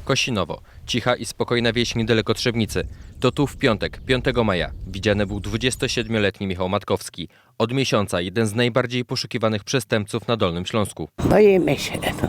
Kosinowo. Cicha i spokojna wieś niedaleko Trzebnicy. To tu w piątek, 5 maja, widziany był 27-letni Michał Matkowski. Od miesiąca jeden z najbardziej poszukiwanych przestępców na Dolnym Śląsku. Boimy się. No.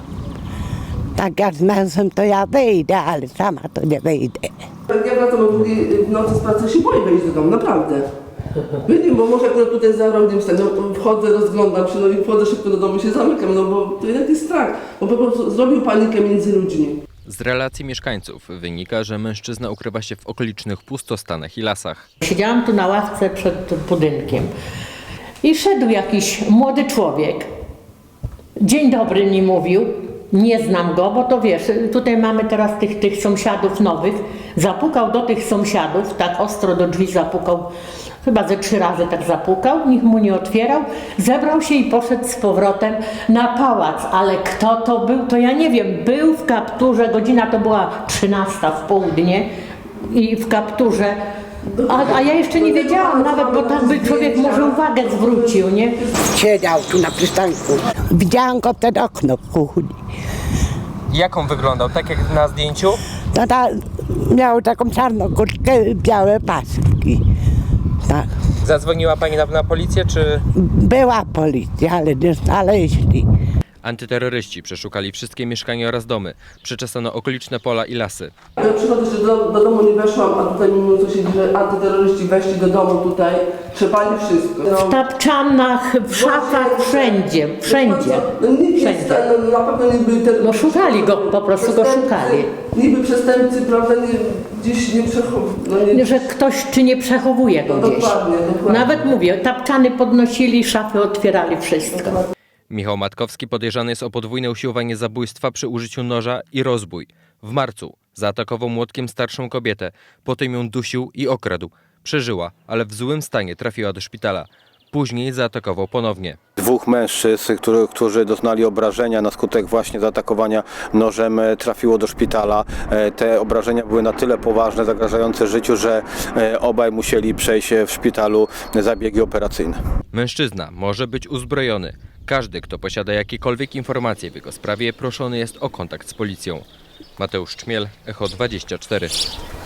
Tak jak z mężem to ja wyjdę, ale sama to nie wyjdę. Jak ja wracam o 2 w nocy z pracy, się boję wejść do domu, naprawdę. Wiem, bo może akurat tutaj za rogiem stać, no, wchodzę, rozglądam się, no i wchodzę szybko do domu, się zamykam, no bo to jednak jest strach, bo po prostu zrobił panikę między ludźmi. Z relacji mieszkańców wynika, że mężczyzna ukrywa się w okolicznych pustostanach i lasach. Siedziałam tu na ławce przed budynkiem i szedł jakiś młody człowiek. Dzień dobry mi mówił. Nie znam go, bo to wiesz, tutaj mamy teraz tych sąsiadów nowych. Zapukał do tych sąsiadów, tak ostro do drzwi zapukał, chyba ze 3 razy tak zapukał, nikt mu nie otwierał. Zebrał się i poszedł z powrotem na pałac, ale kto to był, to ja nie wiem. Był w kapturze, godzina to była 13 w południe i w kapturze. A ja jeszcze nie wiedziałam nawet, bo tak by człowiek może uwagę zwrócił, nie? Siedział tu na przystanku. Widziałam go przed okno w kuchni. Jak on wyglądał? Tak jak na zdjęciu? No miał taką czarną kurtkę, białe paski. Tak. Zadzwoniła pani na policję, czy... Była policja, ale nie znaleźli. Antyterroryści przeszukali wszystkie mieszkania oraz domy. Przeczesano okoliczne pola i lasy. Ja przychodzę, że do domu nie weszłam, a tutaj mimo co się dzieje, że antyterroryści weszli do domu tutaj, trzepali wszystko. W tapczanach, w szafach, wszędzie. No nikt nie Wszędzie. no, na pewno nie byli terroryści. No szukali go, po prostu go szukali. Niby przestępcy, prawda, gdzieś nie przechowują. Że ktoś czy nie przechowuje go gdzieś. Dokładnie. Nawet mówię, tapczany podnosili, szafy otwierali, wszystko. Michał Matkowski podejrzany jest o podwójne usiłowanie zabójstwa przy użyciu noża i rozbój. W marcu zaatakował młotkiem starszą kobietę, potem ją dusił i okradł. Przeżyła, ale w złym stanie trafiła do szpitala. Później zaatakował ponownie. 2 mężczyzn, którzy doznali obrażenia na skutek właśnie zaatakowania nożem, trafiło do szpitala. Te obrażenia były na tyle poważne, zagrażające życiu, że obaj musieli przejść w szpitalu zabiegi operacyjne. Mężczyzna może być uzbrojony. Każdy, kto posiada jakiekolwiek informacje w jego sprawie, proszony jest o kontakt z policją. Mateusz Czmiel, Echo 24.